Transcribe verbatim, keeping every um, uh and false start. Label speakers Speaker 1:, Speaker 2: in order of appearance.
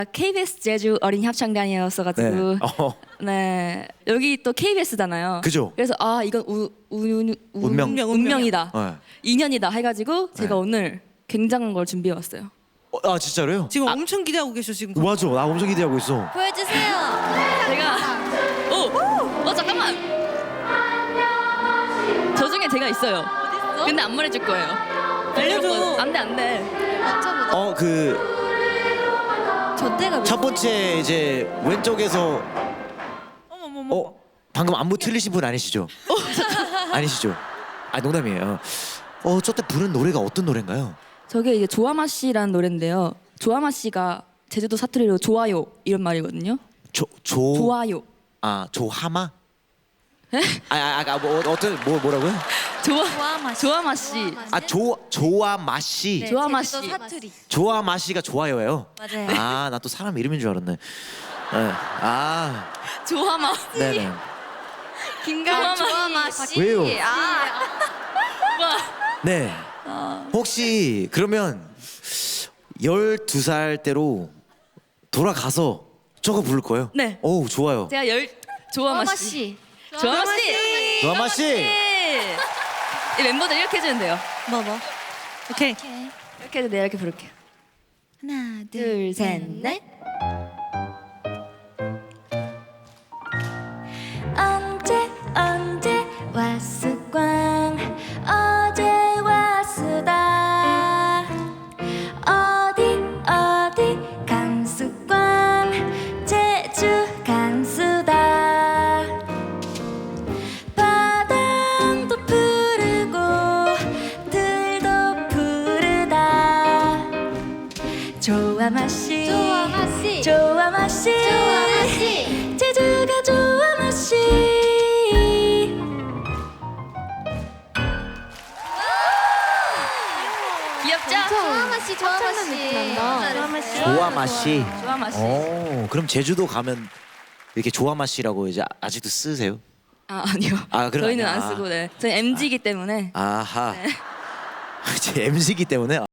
Speaker 1: 케이비에스 제주 어린이 합창단이었어가지고
Speaker 2: 네. 어.
Speaker 1: 네 여기 또 케이비에스잖아요.
Speaker 2: 그죠?
Speaker 1: 그래서 아 이건 우, 우, 우, 우,
Speaker 2: 운명.
Speaker 1: 운명이다,
Speaker 2: 네.
Speaker 1: 인연이다 해가지고 제가
Speaker 2: 네.
Speaker 1: 오늘 굉장한 걸 준비해 왔어요.
Speaker 2: 어, 아 진짜로요?
Speaker 3: 지금 엄청 기대하고 계셔 지금.
Speaker 2: 맞아, 나 엄청 기대하고 있어.
Speaker 4: 보여주세요.
Speaker 1: 제가 오, 어 잠깐만. 저 중에 제가 있어요.
Speaker 4: 어딨어?
Speaker 1: 근데 안 말해줄 거예요.
Speaker 3: 알려줘.
Speaker 1: 안돼 안돼.
Speaker 4: 맞춰보자.
Speaker 2: 어 그 첫
Speaker 4: 저 때가 몇
Speaker 2: 번째 이제 왼쪽에서
Speaker 3: 어머 어머 어머.
Speaker 2: 어 방금 안무 틀리신 분 아니시죠? 아니시죠? 아 농담이에요. 어 저 때 부른 노래가 어떤 노래인가요?
Speaker 1: 저게 이제 조아마 씨라는 노래인데요. 조아마 씨가 제주도 사투리로 좋아요 이런 말이거든요.
Speaker 2: 조조
Speaker 1: 좋아요.
Speaker 2: 아 조하마? 아아뭐 어떤 뭐 뭐라고요?
Speaker 1: 조아
Speaker 4: 조아마 씨.
Speaker 1: 조아마 씨.
Speaker 2: 아 조 조아마 씨.
Speaker 4: 네,
Speaker 1: 조아마
Speaker 4: 제주도
Speaker 1: 씨.
Speaker 4: 사투리.
Speaker 2: 조아마 씨가 좋아요예요.
Speaker 4: 맞아요.
Speaker 2: 아 나 또 사람 이름인 줄 알았네. 네. 아
Speaker 1: 조아마.
Speaker 2: 네네.
Speaker 1: 김가마
Speaker 4: 조아마 씨.
Speaker 2: 왜요?
Speaker 4: 아,
Speaker 2: 네. 혹시 그러면 열두 살 때로 돌아가서 저거 부를 거예요?
Speaker 1: 네.
Speaker 2: 오 좋아요.
Speaker 1: 제가 열 조아마
Speaker 4: 조아마
Speaker 1: 씨.
Speaker 4: 씨.
Speaker 1: 조아마 씨.
Speaker 2: 조아마 씨.
Speaker 1: 이 멤버들 이렇게 해주면 돼요.
Speaker 3: 뭐 뭐. 오케이.
Speaker 4: 오케이.
Speaker 1: 이렇게 해서 내가 이렇게 부를게요.
Speaker 4: 하나, 둘,
Speaker 1: 둘, 셋,
Speaker 4: 셋,
Speaker 1: 넷.
Speaker 4: 넷. 언제 언제 왔을꽝 어제 왔으다 어디 어디 간수꽝 제주 간수다 바람도 푸르고 들도 푸르다 조아마 씨
Speaker 5: 조아마 씨.
Speaker 4: 조아마 씨
Speaker 5: 조아마 씨.
Speaker 4: 제주가 조아마 씨
Speaker 1: 귀엽죠?
Speaker 5: 조아마 씨, 조아마 씨.
Speaker 4: 조아마 씨
Speaker 2: 조아마 씨.
Speaker 1: 조아마 씨.
Speaker 2: 오 그럼 제주도 가면 이렇게 조아마 씨라고 이제 아직도 쓰세요?
Speaker 1: 아 아니요.
Speaker 2: 아, 그럼
Speaker 1: 저희는
Speaker 2: 아니야.
Speaker 1: 안 쓰고 네. 저희 엠지이기 때문에.
Speaker 2: 아하. 제 엠씨기 때문에.